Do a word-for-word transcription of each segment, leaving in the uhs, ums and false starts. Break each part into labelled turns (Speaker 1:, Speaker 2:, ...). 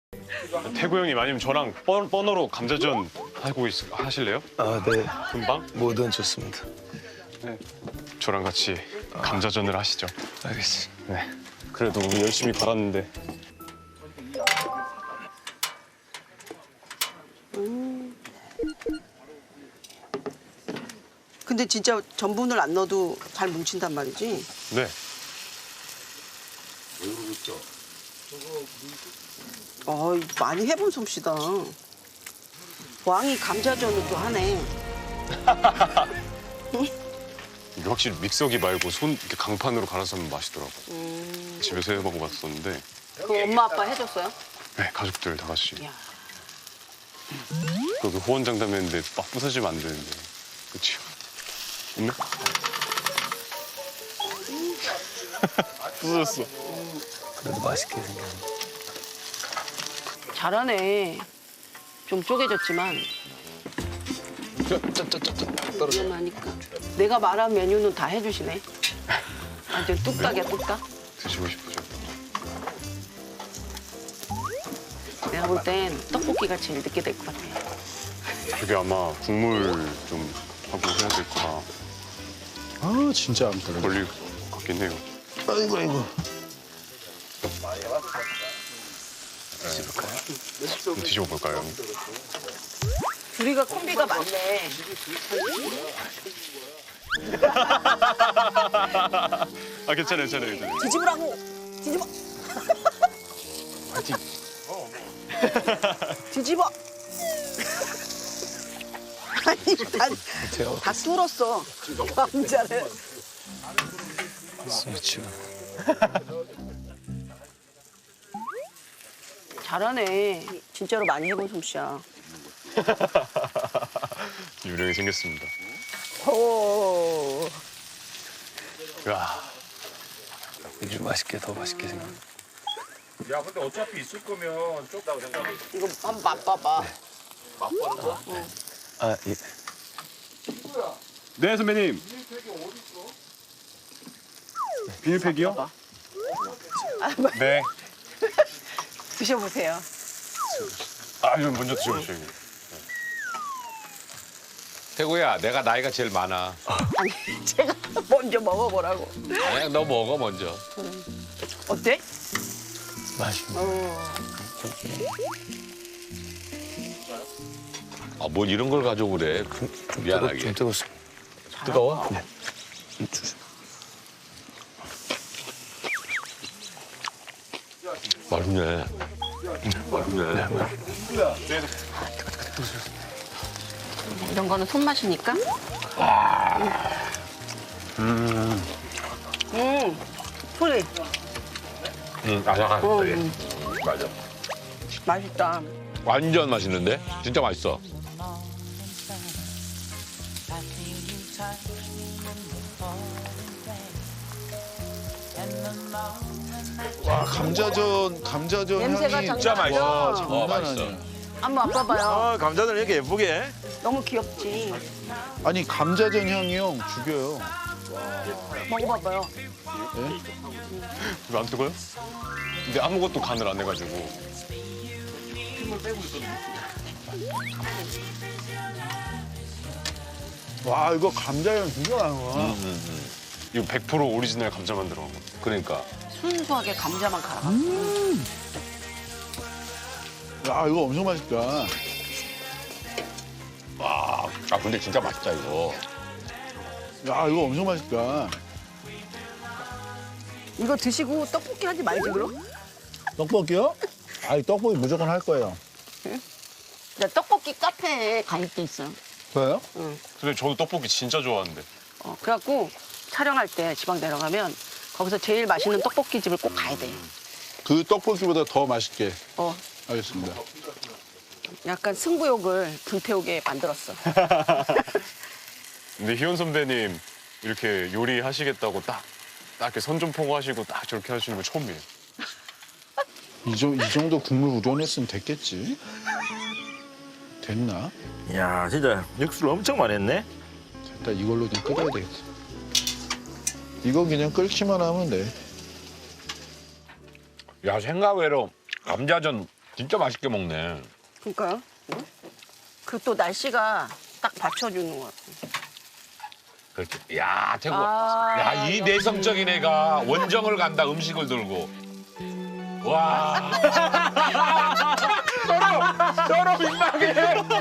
Speaker 1: 태구 형님 아니면 저랑 번, 번호로 감자전 하고 있, 하실래요?
Speaker 2: 아, 네.
Speaker 1: 금방?
Speaker 2: 뭐든 좋습니다.
Speaker 1: 네. 저랑 같이 감자전을 하시죠.
Speaker 2: 알겠습니다.
Speaker 1: 네. 그래도 우리 열심히 갈았는데.
Speaker 3: 근데 진짜 전분을 안 넣어도 잘 뭉친단 말이지.
Speaker 1: 네.
Speaker 3: 어, 많이 해본 솜씨다. 왕이 감자전을 또 하네.
Speaker 1: 이게 확실히 믹서기 말고 손 이렇게 강판으로 갈아서 하면 맛있더라고.
Speaker 3: 음.
Speaker 1: 집에서 해 먹어봤었는데.
Speaker 3: 그 엄마 아빠 해줬어요?
Speaker 1: 네, 가족들 다 같이.
Speaker 3: 야.
Speaker 1: 그렇게 호언장담했는데 막 부서지면 안 되는데. 그치요? 없네? 부서졌어.
Speaker 2: 그래도 맛있게 생겼네.
Speaker 3: 잘하네. 좀 쪼개졌지만
Speaker 2: 쩌쩌쩌쩌 떨어져.
Speaker 3: 위험하니까. 내가 말한 메뉴는 다 해주시네. 완전 뚝딱이야, 뚝딱.
Speaker 1: 드시고 싶으죠?
Speaker 3: 내가 볼 땐 떡볶이가 제일 늦게 될 것 같아.
Speaker 1: 그게 아마 국물 좀 하고 해야 될 거라
Speaker 4: 아 진짜 안 떨어져.
Speaker 1: 걸릴 것 같긴 해요.
Speaker 2: 아이고 아이고.
Speaker 1: 좀 뒤집어볼까요?
Speaker 3: 둘이가 콤비가 많네.
Speaker 1: 아, 괜찮아요, 괜찮아요. 괜찮아요.
Speaker 3: 뒤집으라고! 뒤집어!
Speaker 1: 화이팅!
Speaker 3: 뒤집어! 아니, 다,
Speaker 2: 제가
Speaker 3: 다 뚫었어. 감자를.
Speaker 2: 스위치.
Speaker 3: 잘하네. 진짜로 많이 해본 솜씨야.
Speaker 1: 유령이 생겼습니다.
Speaker 3: 오.
Speaker 1: 야,
Speaker 2: 아주 맛있게 더 맛있게 생겼네.
Speaker 5: 야, 근데 어차피 있을 거면 쪽다고 생각해.
Speaker 3: 이거 한번 맛봐봐.
Speaker 2: 아 예.
Speaker 1: 네, 선배님. 비닐팩이요? 네.
Speaker 3: 드셔보세요.
Speaker 1: 아, 이건 먼저 드셔보세요.
Speaker 5: 태구야, 내가 나이가 제일 많아.
Speaker 3: 아니, 제가 먼저 먹어보라고.
Speaker 5: 아니야, 너 먹어 먼저.
Speaker 3: 어때?
Speaker 2: 맛있네.
Speaker 3: 어.
Speaker 5: 아, 뭘 이런 걸 가지고 그래?
Speaker 2: 좀
Speaker 5: 미안하게.
Speaker 2: 좀 뜨겁습니다.
Speaker 5: 뜨거워?
Speaker 2: 네. 좀 주세요.
Speaker 5: 맛있네. 맛있네.
Speaker 3: 이런 거는 손맛이니까. 음. 음. 소리.
Speaker 5: 응, 아삭한
Speaker 3: 어,
Speaker 5: 소리.
Speaker 3: 음.
Speaker 5: 맞아.
Speaker 3: 맛있다.
Speaker 5: 완전 맛있는데? 진짜 맛있어.
Speaker 4: 와 감자전 감자전
Speaker 3: 냄새가
Speaker 4: 향이
Speaker 3: 장난
Speaker 5: 진짜 맛있어.
Speaker 4: 와
Speaker 5: 어,
Speaker 4: 장난
Speaker 5: 맛있어.
Speaker 4: 아니야.
Speaker 3: 한번 맛봐봐요.
Speaker 5: 아, 감자들 이렇게 예쁘게.
Speaker 3: 너무 귀엽지.
Speaker 4: 아니 감자전 향이 형 죽여요.
Speaker 3: 먹어봐봐요.
Speaker 1: 이거 안 뜨거요? 근데 아무것도 간을 안 해가지고.
Speaker 4: 와 이거 감자전 진짜 나와.
Speaker 1: 이거 백 퍼센트 오리지널 감자만 들어간 거.
Speaker 5: 그러니까.
Speaker 3: 순수하게 감자만 갈아가.
Speaker 4: 야 이거 엄청 맛있다.
Speaker 5: 와, 아 근데 진짜 맛있다 이거.
Speaker 4: 야 이거 엄청 맛있다.
Speaker 3: 이거 드시고 떡볶이 하지 말지 그럼?
Speaker 4: 떡볶이요? 아니 떡볶이 무조건 할 거예요.
Speaker 3: 나 떡볶이 카페에 가입돼 있어요.
Speaker 4: 왜요?
Speaker 1: 근데 저도 떡볶이 진짜 좋아하는데.
Speaker 3: 어, 그래갖고 촬영할 때 지방 내려가면 거기서 제일 맛있는 떡볶이 집을 꼭 가야 돼.
Speaker 4: 그 떡볶이보다 더 맛있게.
Speaker 3: 어,
Speaker 4: 알겠습니다.
Speaker 3: 약간 승부욕을 불태우게 만들었어.
Speaker 1: 근데 희원 선배님 이렇게 요리하시겠다고 딱, 딱 이렇게 선전포고 하시고 딱 저렇게 하시는 거 처음이에요.
Speaker 4: 이, 정, 이 정도 국물 우려냈으면 됐겠지? 됐나?
Speaker 6: 야, 진짜 육수를 엄청 많이 했네.
Speaker 4: 됐다 이걸로 그냥 끓여야 되겠다. 이거 그냥 끓기만 하면 돼.
Speaker 5: 야, 생각외로 감자전
Speaker 7: 진짜 맛있게 먹네.
Speaker 3: 그러니까요. 그 또 날씨가 딱 받쳐주는 것 같아요.
Speaker 7: 그렇게. 야, 태국.
Speaker 3: 아,
Speaker 7: 야, 이
Speaker 3: 역시.
Speaker 7: 내성적인 애가 원정을 간다, 음식을 들고. 와. 서로, 서로 민망해.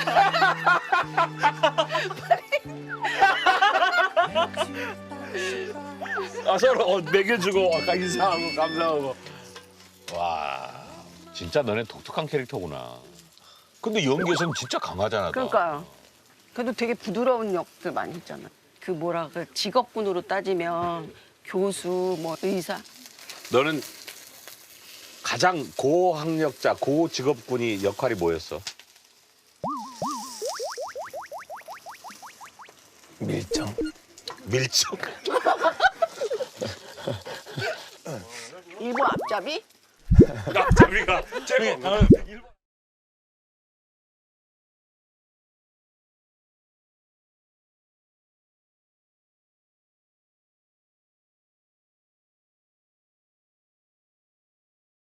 Speaker 6: 아 서로 어, 먹여주고 아까 인사하고 감사하고.
Speaker 7: 와, 진짜 너네 독특한 캐릭터구나. 근데 연기에서는 진짜 강하잖아. 너.
Speaker 3: 그러니까요. 그래도 되게 부드러운 역들 많이 했잖아. 그 뭐라 그 직업군으로 따지면 교수, 뭐 의사.
Speaker 8: 너는 가장 고학력자, 고직업군이 역할이 뭐였어?
Speaker 2: 밀정.
Speaker 8: 밀정.
Speaker 3: 일본 앞잡이?
Speaker 6: 앞잡이가 제일